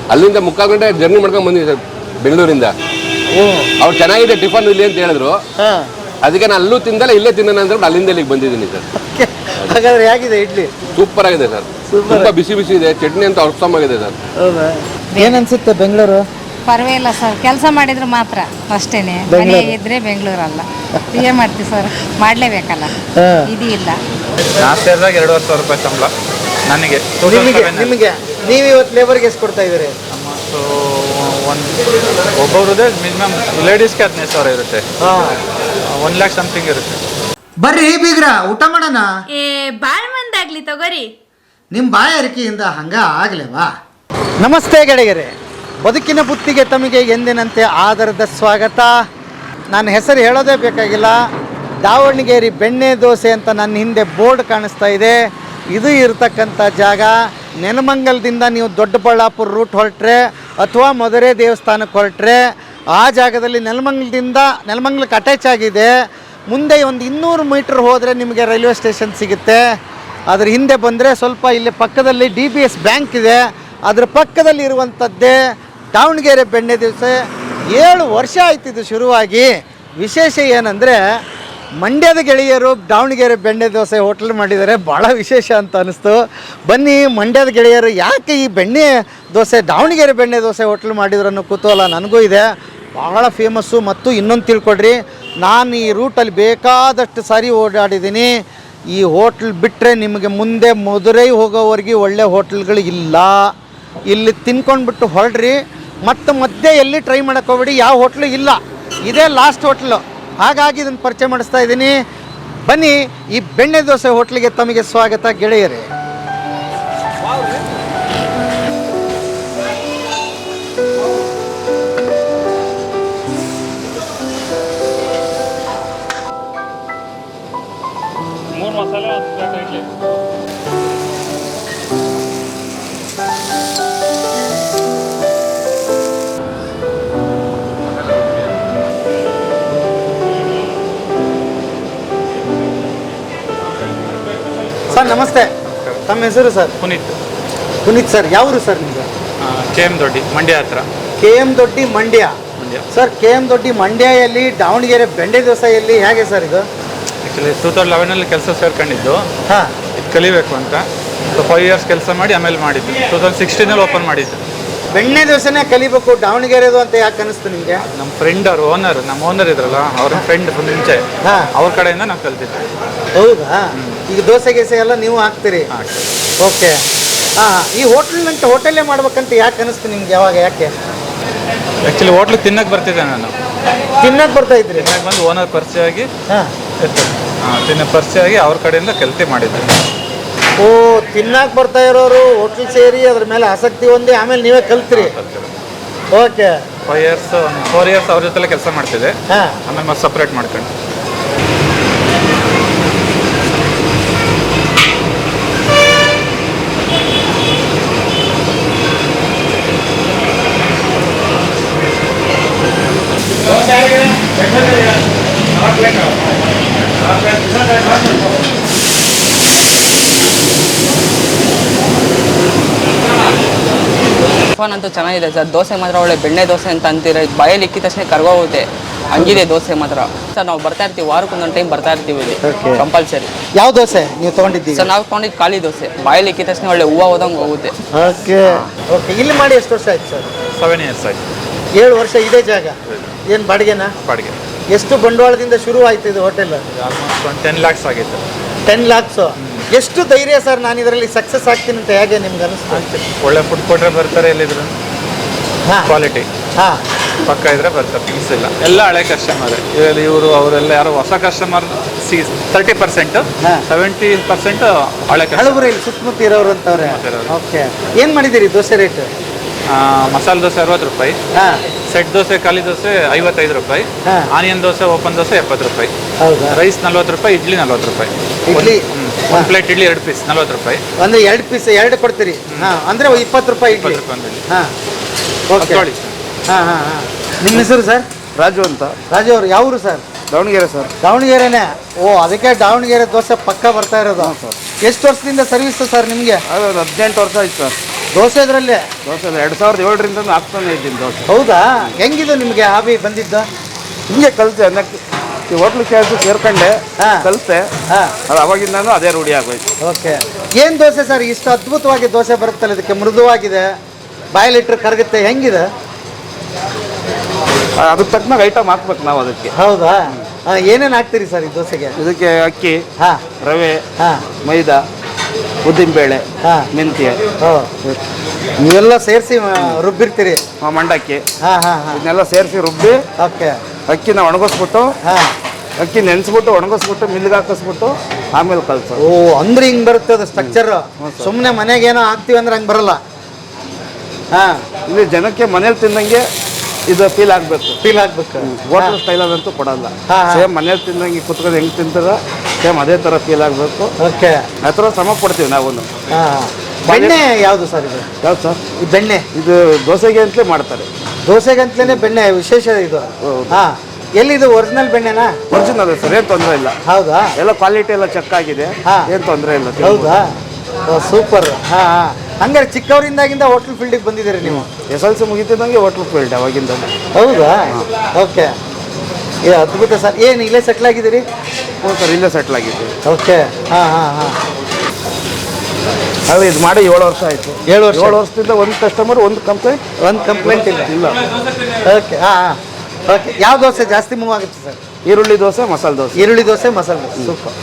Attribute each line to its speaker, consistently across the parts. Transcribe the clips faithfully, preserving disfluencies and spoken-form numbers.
Speaker 1: ಅಲ್ಲಿಂದ ಮುಕ್ಕಾಲು ಗಂಟೆ ಜರ್ನಿ ಮಾಡ್ಕೊಂಡು ಬಂದಿದ್ವಿ ಸರ್ ಬೆಂಗಳೂರಿಂದ. ಅವ್ರು ಚೆನ್ನಾಗಿದೆ ಟಿಫನ್ ಇಲ್ಲಿ ಅಂತ ಹೇಳಿದ್ರು, ಅದಕ್ಕೆ ನಾನು ಅಲ್ಲೂ ತಿಂದಲ್ಲ ಇಲ್ಲೇ ತಿನ್ನೋಣ ಅಂದ್ರೆ ಅಲ್ಲಿಂದ ಇಲ್ಲಿಗೆ ಬಂದಿದ್ದೀನಿ ಸರ್.
Speaker 2: ಹಾಗಾದ್ರೆ ಹೇಗಿದೆ ಇಡ್ಲಿ?
Speaker 1: ಸೂಪರ್ ಆಗಿದೆ ಸರ್, ತುಂಬಾ ಬಿಸಿ ಬಿಸಿ ಇದೆ, ಚಟ್ನಿ ಅಂತ ಉತ್ತಮವಾಗಿದೆ ಸರ್.
Speaker 2: ಏನನ್ಸುತ್ತೆ ಬೆಂಗಳೂರು?
Speaker 3: ಪರವಾಗಿಲ್ಲ ಸರ್, ಕೆಲಸ ಮಾಡಿದ್ರೆ ಮಾತ್ರ ಅಷ್ಟೇನೆ, ಮನೆ ಇದ್ರೆ ಬೆಂಗಳೂರಲ್ಲ. ಏನ್ ಮಾಡ್ತೀವಿ ಸರ್, ಮಾಡ್ಲೇಬೇಕಲ್ಲ, ಇದು ಇಲ್ಲ.
Speaker 4: ನಾ ಸೇರಿದಾಗ ಎರಡೂವರೆ ಸಾವಿರ ರೂಪಾಯಿ ಸಂಬಳ ನನಗೆ.
Speaker 2: ನಿಮಗೆ ನೀವು ಇವತ್ತು ಲೇಬರ್ಗೆ ಎಷ್ಟು ಕೊಡ್ತಾ ಇದ್ದೀರಿ?
Speaker 4: ಸೊ ಒಂದು ಒಬ್ಬೊಬ್ರದ್ದೇ ಮಿನಿಮಮ್ ಲೇಡೀಸ್ಗೆ ಹದಿನೈದು ಸಾವಿರ ಇರುತ್ತೆ, ಒನ್ ಲ್ಯಾಕ್ ಸಮಥಿಂಗ್ ಇರುತ್ತೆ.
Speaker 2: ಬರ್ರಿ ಬೀಗ್ರ ಊಟ ಮಾಡೋಣ.
Speaker 5: ಏ ಬಾಳ್ ಮಂದಾಗ್ಲಿ ತಗೋರಿ.
Speaker 2: ನಿಮ್ಮ ಬಾಯಾರಿಕೆಯಿಂದ ಹಂಗ ಆಗ್ಲೇವಾ? ನಮಸ್ತೆ ಗೆಳೆಯರೆ, ಬದುಕಿನ ಬುತ್ತಿಗೆ ತಮಗೆ ಎಂದಿನಂತೆ ಆಧಾರದ ಸ್ವಾಗತ. ನನ್ನ ಹೆಸರು ಹೇಳೋದೇ ಬೇಕಾಗಿಲ್ಲ, ದಾವಣಗೆರೆ ಬೆಣ್ಣೆ ದೋಸೆ ಅಂತ ನನ್ನ ಹಿಂದೆ ಬೋರ್ಡ್ ಕಾಣಿಸ್ತಾ ಇದೆ. ಇದು ಇರತಕ್ಕಂಥ ಜಾಗ ನೆಲಮಂಗಲದಿಂದ ನೀವು ದೊಡ್ಡಬಳ್ಳಾಪುರ ರೂಟ್ ಹೊರಟ್ರೆ ಅಥವಾ ಮಧುರೆ ದೇವಸ್ಥಾನಕ್ಕೆ ಹೊರಟ್ರೆ ಆ ಜಾಗದಲ್ಲಿ ನೆಲಮಂಗಲದಿಂದ ನೆಲಮಂಗಲಕ್ಕೆ ಅಟ್ಯಾಚ್ ಆಗಿದೆ. ಮುಂದೆ ಒಂದು ಇನ್ನೂರು ಮೀಟ್ರ್ ಹೋದರೆ ನಿಮಗೆ ರೈಲ್ವೆ ಸ್ಟೇಷನ್ ಸಿಗುತ್ತೆ. ಅದ್ರ ಹಿಂದೆ ಬಂದರೆ ಸ್ವಲ್ಪ ಇಲ್ಲಿ ಪಕ್ಕದಲ್ಲಿ ಡಿ ಬಿ ಎಸ್ ಬ್ಯಾಂಕ್ ಇದೆ, ಅದ್ರ ಪಕ್ಕದಲ್ಲಿ ಇರುವಂಥದ್ದೇ ದಾವಣಗೆರೆ ಬೆಣ್ಣೆ ದೋಸೆ. ಏಳು ವರ್ಷ ಆಯ್ತಿದ್ದು ಶುರುವಾಗಿ. ವಿಶೇಷ ಏನಂದರೆ ಮಂಡ್ಯದ ಗೆಳೆಯರು ದಾವಣಗೆರೆ ಬೆಣ್ಣೆ ದೋಸೆ ಹೋಟ್ಲ್ ಮಾಡಿದ್ದಾರೆ, ಭಾಳ ವಿಶೇಷ ಅಂತ ಅನ್ನಿಸ್ತು. ಬನ್ನಿ, ಮಂಡ್ಯದ ಗೆಳೆಯರು ಯಾಕೆ ಈ ಬೆಣ್ಣೆ ದೋಸೆ ದಾವಣಗೆರೆ ಬೆಣ್ಣೆ ದೋಸೆ ಹೋಟ್ಲ್ ಮಾಡಿದ್ರು ಅನ್ನೋ ಕುತೂಹಲ ನನಗೂ ಇದೆ. ಭಾಳ ಫೇಮಸ್ಸು. ಮತ್ತು ಇನ್ನೊಂದು ತಿಳ್ಕೊಡ್ರಿ, ನಾನು ಈ ರೂಟಲ್ಲಿ ಬೇಕಾದಷ್ಟು ಸಾರಿ ಓಡಾಡಿದ್ದೀನಿ. ಈ ಹೋಟ್ಲ್ ಬಿಟ್ಟರೆ ನಿಮಗೆ ಮುಂದೆ ಮಧುರೈ ಹೋಗೋವರೆಗೆ ಒಳ್ಳೆ ಹೋಟ್ಲ್ಗಳು ಇಲ್ಲ. ಇಲ್ಲಿ ತಿನ್ಕೊಂಡ್ಬಿಟ್ಟು ಹೊರಡ್ರಿ, ಮತ್ತು ಮಧ್ಯೆ ಎಲ್ಲಿ ಟ್ರೈ ಮಾಡೋಕ್ಕೆ ಹೋಗ್ಬೇಡಿ, ಯಾವ ಹೋಟ್ಲು ಇಲ್ಲ, ಇದೇ ಲಾಸ್ಟ್ ಹೋಟ್ಲು. ಹಾಗಾಗಿ ಇದನ್ನು ಪರಿಚಯ ಮಾಡಿಸ್ತಾ ಇದ್ದೀನಿ. ಬನ್ನಿ, ಈ ಬೆಣ್ಣೆ ದೋಸೆ ಹೋಟ್ಲಿಗೆ ತಮಗೆ ಸ್ವಾಗತ ಗೆಳೆಯರೇ. ಸರ್ ನಮಸ್ತೆ, ತಮ್ಮ ಹೆಸರು ಸರ್?
Speaker 4: ಪುನೀತ್.
Speaker 2: ಪುನೀತ್ ಸರ್, ಯಾವರು ಸರ್ ನಿಮಗೆ?
Speaker 4: ಕೆ ಎಮ್ ದೊಡ್ಡಿ, ಮಂಡ್ಯ ಹತ್ರ.
Speaker 2: K M Doddi Mandya.
Speaker 4: Mandya
Speaker 2: sir, K M Doddi ಮಂಡ್ಯಲ್ಲಿ ದಾವಣಗೆರೆ ಬೆಣ್ಣೆ ದೋಸೆಯಲ್ಲಿ ಹೇಗೆ ಸರ್ ಇದು?
Speaker 4: ಆ್ಯಕ್ಚುಲಿ ಟೂ ತೌಸಂಡ್ ಲೆವೆನಲ್ಲಿ ಕೆಲಸ ಸೇರ್ಕೊಂಡಿದ್ದು,
Speaker 2: ಹಾಂ,
Speaker 4: ಇದು ಕಲಿಬೇಕು ಅಂತ. ಸೊ ಫೈವ್ ಇಯರ್ಸ್ ಕೆಲಸ ಮಾಡಿ ಆಮೇಲೆ ಮಾಡಿದ್ದು. ಟೂ ತೌಸಂಡ್ ಸಿಕ್ಸ್ಟೀನಲ್ಲಿ ಓಪನ್ ಮಾಡಿದ್ದು.
Speaker 2: ಬೆಣ್ಣೆ ದೋಸೆನೇ ಕಲಿಬೇಕು ದಾವಣಗೆರೆದು ಅಂತ ಯಾಕೆ ಅನಿಸ್ತು ನಿಮಗೆ?
Speaker 4: ನಮ್ಮ ಫ್ರೆಂಡ್ ಅವ್ರು ಓನರ್, ನಮ್ಮ ಓನರ್ ಇದ್ರಲ್ಲ, ಅವ್ರ ಫ್ರೆಂಡ್ ಮುಂಚೆ,
Speaker 2: ಹಾಂ,
Speaker 4: ಅವ್ರ ಕಡೆಯಿಂದ ನಾವು ಕಲ್ತಿದ್ದೆ.
Speaker 2: ಹೌದಾ? ಈಗ ದೋಸೆ ಗೀಸೆ ಎಲ್ಲ ನೀವು ಹಾಕ್ತೀರಿ? ಓಕೆ. ಹಾಂ, ಈ ಹೋಟ್ಲ್ನಂತ ಹೋಟೆಲ್ಲೇ ಮಾಡ್ಬೇಕಂತ ಯಾಕೆ ಅನಿಸ್ತು ನಿಮ್ಗೆ? ಯಾವಾಗ, ಯಾಕೆ?
Speaker 4: ಆ್ಯಕ್ಚುಲಿ ಹೋಟ್ಲಿಗೆ ತಿನ್ನಕ್ಕೆ ಬರ್ತಿದ್ದೆ ನಾನು.
Speaker 2: ತಿನ್ನಕ್ಕೆ ಬರ್ತಾ ಇದ್ರಿ?
Speaker 4: ತಿನ್ನಕ್ಕೆ ಬಂದು ಓನರ್ ಪರಿಚಯ ಆಗಿ,
Speaker 2: ಹಾಂ,
Speaker 4: ಹಾಂ, ತಿನ್ನ ಪರಿಚಯ ಆಗಿ ಅವ್ರ ಕಡೆಯಿಂದ ಕಲ್ತಿ ಮಾಡಿದ್ದೆ.
Speaker 2: ಓ, ತಿನ್ನಕ್ಕೆ ಬರ್ತಾ ಇರೋರು ಹೋಟ್ಲ್ ಸೇರಿ ಅದ್ರ ಮೇಲೆ ಆಸಕ್ತಿ ಹೊಂದಿ ಆಮೇಲೆ ನೀವೇ ಕಲ್ತ್ರಿ? Okay.
Speaker 4: Five years four years ಅವ್ರ ಜೊತೆಲೆ ಕೆಲಸ ಮಾಡ್ತಿದ್ದೆ.
Speaker 2: ಹಾಂ,
Speaker 4: ಆಮೇಲೆ ಮತ್ತೆ ಸಪ್ರೇಟ್ ಮಾಡ್ಕೊಂಡು.
Speaker 6: ಟಿಫನ್ ಅಂತೂ ಚೆನ್ನಾಗಿದೆ ಸರ್. ದೋಸೆ ಮಾತ್ರ ಒಳ್ಳೆ ಬೆಣ್ಣೆ ದೋಸೆ ಅಂತ ಅಂತೀರ, ಬಾಯಲ್ಲಿ ಇಕ್ಕಿದ ತಕ್ಷಣ ಕರ್ಗೋಗುತ್ತೆ, ಹಂಗಿದೆ ದೋಸೆ ಮಾತ್ರ. ಸರ್ ನಾವು ಬರ್ತಾ ಇರ್ತೀವಿ, ವಾರಕ್ಕೊಂದೊಂದು ಟೈಮ್ ಬರ್ತಾ ಇರ್ತೀವಿ ಇಲ್ಲಿ ಕಂಪಲ್ಸರಿ.
Speaker 2: ಯಾವ ದೋಸೆ ನೀವು ತೊಗೊಂಡಿದ್ದೀವಿ?
Speaker 6: ಸರ್ ನಾವು ತೊಗೊಂಡಿದ್ದು ಖಾಲಿ ದೋಸೆ, ಬಾಯಲ್ಲಿ ಇಕ್ಕಿದ ತಕ್ಷಣ ಒಳ್ಳೆ ಹೂವು ಹೋದಂಗೆ ಹೋಗುತ್ತೆ.
Speaker 2: Okay okay. ಇಲ್ಲಿ ಮಾಡಿ ಎಷ್ಟು ವರ್ಷ ಆಯ್ತು ಸರ್?
Speaker 4: ಸೆವೆನ್ ಇಯರ್ಸ್ ಆಯ್ತು.
Speaker 2: ಏಳು ವರ್ಷ ಇದೇ ಜಾಗ? ಏನು ಬಾಡಿಗೆನಾ?
Speaker 4: ಬಾಡಿಗೆ.
Speaker 2: ಎಷ್ಟು ಬಂಡವಾಳದಿಂದ ಶುರು ಆಯ್ತು ಇದು ಹೋಟೆಲ್?
Speaker 4: ಆಲ್ಮೋಸ್ಟ್ ಒಂದು ಟೆನ್ ಲ್ಯಾಕ್ಸ್ ಆಗಿತ್ತು.
Speaker 2: ಟೆನ್ ಲ್ಯಾಕ್ಸು? ಎಷ್ಟು ಧೈರ್ಯ ಸರ್ ನಾನು ಇದರಲ್ಲಿ ಸಕ್ಸಸ್ ಆಗ್ತೀನಿ ಅಂತ ಹೇಗೆ ನಿಮ್ಗೆ ಅನಿಸ್ತು?
Speaker 4: ಒಳ್ಳೆ ಫುಡ್ ಕೊಟ್ಟರೆ ಬರ್ತಾರೆ, ಎಲ್ಲಿದ್ರು
Speaker 2: ಹಾಂ,
Speaker 4: ಕ್ವಾಲಿಟಿ
Speaker 2: ಹಾಂ,
Speaker 4: ಪಕ್ಕ ಇದ್ರೆ ಬರ್ತಾರೆ, ಮಿಸ್ ಇಲ್ಲ. ಎಲ್ಲ ಹಳೆ ಕಸ್ಟಮರ್ ಇವರು, ಇವರು ಅವರೆಲ್ಲ ಯಾರು ಹೊಸ ಕಸ್ಟಮರ್ ಸಿ ತರ್ಟಿ ಪರ್ಸೆಂಟ್ ಸೆವೆಂಟಿ ಪರ್ಸೆಂಟ್ ಹಳೆ
Speaker 2: ಹಳಬರು ಇಲ್ಲಿ ಸುತ್ತಮುತ್ತ ಇರೋರು ಅಂತವ್ರೆ. ಓಕೆ. ಏನು ಮಾಡಿದ್ದೀರಿ ದೋಸೆ ರೇಟ್?
Speaker 4: ಮಸಾಲೆ ದೋಸೆ ಅರವತ್ತು ರೂಪಾಯಿ,
Speaker 2: ಹಾಂ,
Speaker 4: ಸೆಟ್ ದೋಸೆ ಖಾಲಿ ದೋಸೆ ಐವತ್ತೈದು ರೂಪಾಯಿ, ಆನಿಯನ್ ದೋಸೆ ಓಪನ್ ದೋಸೆ ಎಪ್ಪತ್ತು ರೂಪಾಯಿ,
Speaker 2: ಹೌದಾ?
Speaker 4: ರೈಸ್ ನಲ್ವತ್ತು ರೂಪಾಯಿ, ಇಡ್ಲಿ ನಲ್ವತ್ತು ರೂಪಾಯಿ.
Speaker 2: ಇಡ್ಲಿ
Speaker 4: ಒಂದು ಪ್ಲೇಟ್ ಇಡ್ಲಿ ಎರಡು ಪೀಸ್ ನಲ್ವತ್ತು ರೂಪಾಯಿ.
Speaker 2: ಅಂದರೆ ಎರಡು ಪೀಸ್ ಎರಡು ಕೊಡ್ತೀರಿ? ಹಾಂ, ಅಂದರೆ ಇಪ್ಪತ್ತು ರೂಪಾಯಿ ಇಡ್ಲಿ. ಹಾಂ, ಓಕೆ. ಹಾಂ ಹಾಂ ಹಾಂ. ನಿಮ್ಮ ಹೆಸರು ಸರ್?
Speaker 7: ರಾಜು ಅಂತ.
Speaker 2: ರಾಜು ಅವರು ಯಾವರು ಸರ್?
Speaker 7: ದಾವಣಗೆರೆ ಸರ್.
Speaker 2: ದಾವಣಗೆರೆನೇ? ಓ, ಅದಕ್ಕೆ ದಾವಣಗೆರೆ ದೋಸೆ ಪಕ್ಕ ಬರ್ತಾ ಇರೋದು. ಎಷ್ಟು ವರ್ಷದಿಂದ ಸರ್ವಿಸ್ ಸರ್ ನಿಮಗೆ?
Speaker 7: ಅದು ಹದಿನೆಂಟು ವರ್ಷ ಆಯ್ತು ಸರ್.
Speaker 2: ದೋಸೆ ಇದರಲ್ಲೇ
Speaker 7: ದೋಸೆ ಎರಡು ಸಾವಿರದ ಏಳರಿಂದ ಹಾಕ್ತಾನೆ ಇದ್ದೀನಿ ದೋಸೆ.
Speaker 2: ಹೌದಾ? ಹೆಂಗಿದು ನಿಮಗೆ ಹಾಬಿ ಬಂದಿದ್ದು?
Speaker 7: ಹಿಂಗೆ ಕಲಿತೆ ಅನ್ನಕ್ಕೆ ಈ ಹೋಟ್ಲು ಕೆಲಸ ಸೇರ್ಕೊಂಡೆ
Speaker 2: ಹಾ.
Speaker 7: ಕಲಿತೆ.
Speaker 2: ಹಾಂ,
Speaker 7: ಅದು ಅವಾಗಿಂದ ಅದೇ ರೂಢಿ ಆಗೋಯ್ತು.
Speaker 2: ಓಕೆ. ಏನು ದೋಸೆ ಸರ್ ಇಷ್ಟು ಅದ್ಭುತವಾಗಿ ದೋಸೆ ಬರುತ್ತಲ್ಲ, ಇದಕ್ಕೆ ಮೃದುವಾಗಿದೆ, ಬಾಯಲ್ಲಿಟ್ಟರೆ ಕರಗುತ್ತೆ, ಹೆಂಗಿದೆ?
Speaker 7: ಅದಕ್ಕೆ ತಕ್ಕನಾಗ ಐಟಮ್ ಹಾಕ್ಬೇಕು ನಾವು ಅದಕ್ಕೆ.
Speaker 2: ಹೌದಾ? ಏನೇನು ಹಾಕ್ತೀರಿ ಸರ್ ಈ ದೋಸೆಗೆ?
Speaker 7: ಇದಕ್ಕೆ ಅಕ್ಕಿ,
Speaker 2: ಹಾಂ
Speaker 7: ರವೆ,
Speaker 2: ಹಾಂ
Speaker 7: ಮೈದಾ, ಉದ್ದಿನಬೇಳೆ,
Speaker 2: ಹಾಂ
Speaker 7: ಮೆಂತ್ಯ,
Speaker 2: ಓ, ನೀವೆಲ್ಲ ಸೇರಿಸಿ ರುಬ್ಬಿರ್ತೀರಿ?
Speaker 7: ಆ, ಮಂಡಕ್ಕಿ
Speaker 2: ಹಾಂ ಹಾಂ ಹಾಂ
Speaker 7: ಇದನ್ನೆಲ್ಲ ಸೇರಿಸಿ ರುಬ್ಬಿ
Speaker 2: ಓಕೆ.
Speaker 7: ಅಕ್ಕಿನ ಒಣಗಿಸ್ಬಿಟ್ಟು
Speaker 2: ಹಾಂ,
Speaker 7: ಅಕ್ಕಿ ನೆನೆಸ್ಬಿಟ್ಟು ಒಣಗಿಸ್ಬಿಟ್ಟು ಮಿಲ್ಗೆ ಹಾಕಿಸ್ಬಿಟ್ಟು ಆಮೇಲೆ ಕಲ್ಸೋದು.
Speaker 2: ಓ, ಅಂದ್ರೆ ಹಿಂಗೆ ಬರುತ್ತೆ ಅದು ಸ್ಟ್ರಕ್ಚರ್. ಸುಮ್ಮನೆ ಮನೆಗೆ ಏನೋ ಹಾಕ್ತೀವಿ ಅಂದ್ರೆ ಹಂಗೆ ಬರಲ್ಲ. ಹಾಂ,
Speaker 7: ಇಲ್ಲಿ ಜನಕ್ಕೆ ಮನೇಲಿ ತಿಂದಂಗೆ ಇದು ಫೀಲ್ ಆಗಬೇಕು.
Speaker 2: ಫೀಲ್ ಆಗ್ಬೇಕು.
Speaker 7: ಹೋಟೆಲ್ ಸ್ಟೈಲಲ್ಲಂತೂ ಕೊಡಲ್ಲ.
Speaker 2: ಹಾ, ಹಾ.
Speaker 7: ಸೇಮ್ ಮನೇಲಿ ತಿಂದಂಗೆ ಕುತ್ಕೊಂಡು ಹೆಂಗೆ ತಿಂತಾರ ಸೇಮ್ ಅದೇ ಥರ ಫೀಲ್ ಆಗಬೇಕು.
Speaker 2: ಓಕೆ.
Speaker 7: ಆ ಥರ ಶ್ರಮ ಪಡ್ತೀವಿ ನಾವು.
Speaker 2: ಹಾಂ, ಬೆಣ್ಣೆ ಯಾವುದು ಸರ್ ಇದು?
Speaker 7: ಯಾವ್ದು ಸರ್?
Speaker 2: ಈ ಬೆಣ್ಣೆ
Speaker 7: ಇದು ದೋಸೆಗೆ ಅಂತಲೇ ಮಾಡ್ತಾರೆ.
Speaker 2: ದೋಸೆಗಂತಲೇ ಬೆಣ್ಣೆ ವಿಶೇಷ ಇದು. ಹಾಂ, ಎಲ್ಲಿದು ಒರಿಜಿನಲ್ ಬೆಣ್ಣೆನಾ?
Speaker 7: ಒರಿಜಿನಲ್ ಸರ್, ಏನು ತೊಂದರೆ ಇಲ್ಲ.
Speaker 2: ಹೌದಾ?
Speaker 7: ಎಲ್ಲ ಕ್ವಾಲಿಟಿ ಎಲ್ಲ ಚೆಕ್ ಆಗಿದೆ.
Speaker 2: ಹಾ.
Speaker 7: ಏನು ತೊಂದರೆ ಇಲ್ಲ.
Speaker 2: ಹೌದಾ? ಸೂಪರ್. ಹಾಂ ಹಾಂ, ಹಂಗಾರೆ ಚಿಕ್ಕವರಿಂದಾಗಿಂದ ಹೋಟ್ಲ್ ಫೀಲ್ಡಿಗೆ ಬಂದಿದ್ದೀರಿ ನೀವು?
Speaker 7: ಎಸ್ ಎಲ್ ಸಿ ಮುಗಿತಿದ್ದಂಗೆ ಹೋಟ್ಲ್ ಫೀಲ್ಡ್ ಅವಾಗಿಂದ.
Speaker 2: ಹೌದಾ? ಓಕೆ. ಏ ಅದ್ಭುತ ಸರ್. ಏನು ಇಲ್ಲೇ ಸೆಟ್ಲ್ ಆಗಿದ್ದೀರಿ?
Speaker 7: ಹ್ಞೂ ಸರ್, ಇಲ್ಲೇ ಸೆಟ್ಲ್ ಆಗಿದ್ದೀವಿ.
Speaker 2: ಓಕೆ. ಹಾಂ ಹಾಂ ಹಾಂ
Speaker 7: ಅದು ಇದು ಮಾಡಿ ಏಳು ವರ್ಷ ಆಯಿತು.
Speaker 2: ಏಳು ವರ್ಷ
Speaker 7: ಏಳು ವರ್ಷದಿಂದ ಒಂದು ಕಸ್ಟಮರ್ ಒಂದು ಕಂಪ್ಲೇಂಟ್
Speaker 2: ಒಂದು ಕಂಪ್ಲೇಂಟ್ ಇಲ್ಲ?
Speaker 7: ಇಲ್ಲ.
Speaker 2: ಓಕೆ. ಹಾಂ ಹಾಂ ಓಕೆ. ಯಾವ ದೋಸೆ ಜಾಸ್ತಿ ಮೂವ್ ಆಗುತ್ತೆ ಸರ್?
Speaker 7: ಈರುಳ್ಳಿ ದೋಸೆ, ಮಸಾಲೆ ದೋಸೆ.
Speaker 2: ಈರುಳ್ಳಿ ದೋಸೆ, ಮಸಾಲೆ ದೋಸೆ. ಸೂಪರ್.